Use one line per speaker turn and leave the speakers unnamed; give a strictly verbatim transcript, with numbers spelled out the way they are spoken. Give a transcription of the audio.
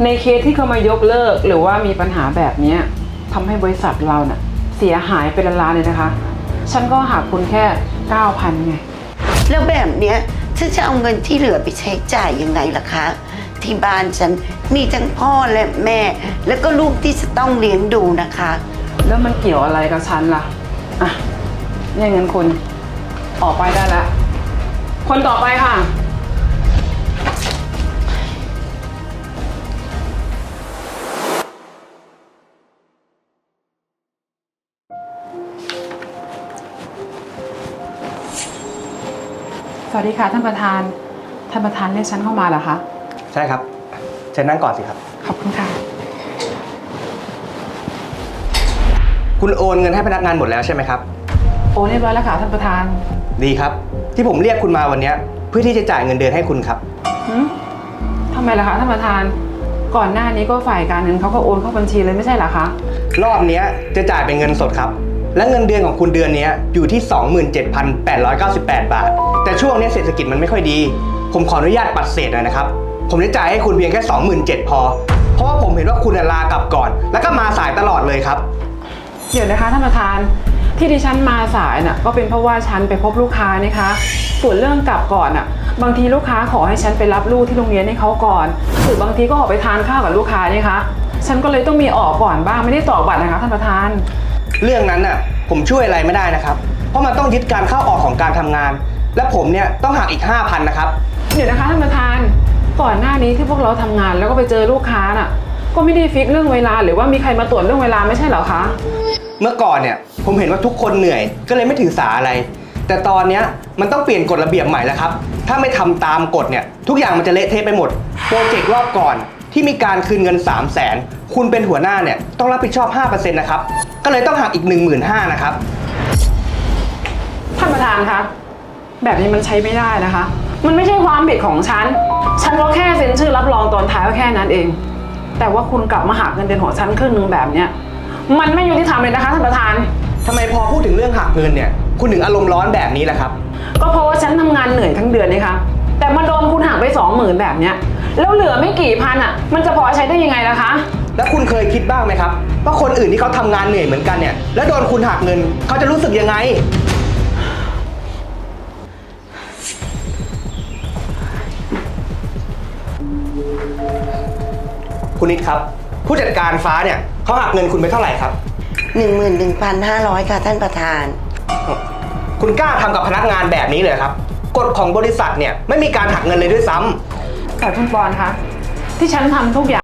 ในเคสที่เขามายกเลิกหรือว่ามีปัญหาแบบนี้ทำให้บริษัทเราเน่ะเสียหายเป็นล้านๆเลยนะคะฉันก็หักคุณแค่เก้าพันไง
แล้วแบบเนี้ยฉันจะเอาเงินที่เหลือไปใช้จ่ายยังไงล่ะคะที่บ้านฉันมีทั้งพ่อและแม่ แล้วก็ลูกที่จะต้องเลี้ยงดูนะคะ
แล้วมันเกี่ยวอะไรกับฉันล่ะอ่ะเนี่ยเงินคุณออกไปได้แล้วคนต่อไปค่ะสวัสดีค่ะท่านประธานท่านประธานเรียกฉันเข้ามาเหรอคะ
ใช่ครับเชิญนั่งก่อนสิครับ
ขอบคุณค่ะ
คุณโอนเงินให้พนักงานหมดแล้วใช่ไหมครับ
โอนเรียบร้อยแล้วค่ะท่านประธาน
ดีครับที่ผมเรียกคุณมาวันนี้เพื่อที่จะจ่ายเงินเดือนให้คุณครับ
หืมทำไมล่ะคะท่านประธานก่อนหน้านี้ก็ฝ่ายการเงินเขาก็โอนเข้าบัญชีเลยไม่ใช่เหรอคะ
รอบนี้จะจ่ายเป็นเงินสดครับและเงินเดือนของคุณเดือนนี้อยู่ที่ สองหมื่นเจ็ดพันแปดร้อยเก้าสิบแปด บาทแต่ช่วงนี้เศรษฐกิจมันไม่ค่อยดีผมขออนุญาตปัดเศษหน่อยนะครับผมจะจ่ายให้คุณเพียงแค่ สองหมื่นเจ็ดพัน พอเพราะว่าผมเห็นว่าคุณลากลับก่อนแล้วก็มาสายตลอดเลยครับ
เดี๋ยวนะคะท่านประธานที่ดิฉันมาสายน่ะก็เป็นเพราะว่าฉันไปพบลูกค้านะคะส่วนเรื่องกลับก่อนน่ะบางทีลูกค้าขอให้ฉันไปรับลูกที่โรงเรียนให้เขาก่อนหรือบางทีก็ออกไปทานข้าวกับลูกค้านี่คะฉันก็เลยต้องมีออกก่อนบ้างไม่ได้ต่อบัตรนะคะท่านประธาน
เรื่องนั้นน่ะผมช่วยอะไรไม่ได้นะครับเพราะมันต้องยึดการเข้าออกของการทำงานและผมเนี่ยต้องหักอีก ห้าพัน นะครับ
เดี๋ยวนะคะท่านประธานก่อนหน้านี้ที่พวกเราทำงานแล้วก็ไปเจอลูกค้าน่ะก็ไม่ได้ฟิกเรื่องเวลาหรือว่ามีใครมาตรวจเรื่องเวลาไม่ใช่เหรอคะ
เมื่อก่อนเนี่ยผมเห็นว่าทุกคนเหนื่อยก็เลยไม่ถือสาอะไรแต่ตอนนี้มันต้องเปลี่ยนกฎระเบียบใหม่แล้วครับถ้าไม่ทำตามกฎเนี่ยทุกอย่างมันจะเละเทะไปหมดโปรเจกต์รอบก่อนที่มีการคืนเงิน สามแสน คุณเป็นหัวหน้าเนี่ยต้องรับผิดชอบ ห้าเปอร์เซ็นต์ นะครับก็เลยต้องหักอีก หนึ่งหมื่นห้าพัน นะครับ
ท่านประธานคะแบบนี้มันใช้ไม่ได้นะคะมันไม่ใช่ความผิดของฉันฉันก็แค่เซ็นชื่อรับรองตอนท้ายก็แค่นั้นเองแต่ว่าคุณกลับมาหักเงินเดือนของฉันครึ่งนึงแบบเนี้ยมันไม่ยุติธรรมเลยนะคะท่านประธาน
ทำไมพอพูดถึงเรื่องหักเงินเนี่ยคุณถึงอารมณ์ร้อนแบบนี้ล่ะครับ
ก็เพราะว่าฉันทำงานเหนื่อยทั้งเดือนนี่คะแต่มาโดนคุณหักไปสองหมื่นแบบเนี้ยแล้วเหลือไม่กี่พันอ่ะมันจะพอใช้ได้ยังไงล่ะคะ
แล้วคุณเคยคิดบ้างไหมครับว่าคนอื่นที่เขาทำงานเหนื่อยเหมือนกันเนี่ยแล้วโดนคุณหักเงินเขาจะรู้สึกยังไงคุณนิดครับผู้จัดการฟ้าเนี่ยเขาหักเงินคุณไปเท่าไหร่ครับ
หนึ่งหมื่นหนึ่งพันห้าร้อย ค่ะท่านประธาน
คุณกล้าทำกับพนักงานแบบนี้เลยครับกฎของบริษัทเนี่ยไม่มีการหักเงินเลยด้วยซ้ำ
แต่คุณปอนคะที่ฉันทำทุกอย่าง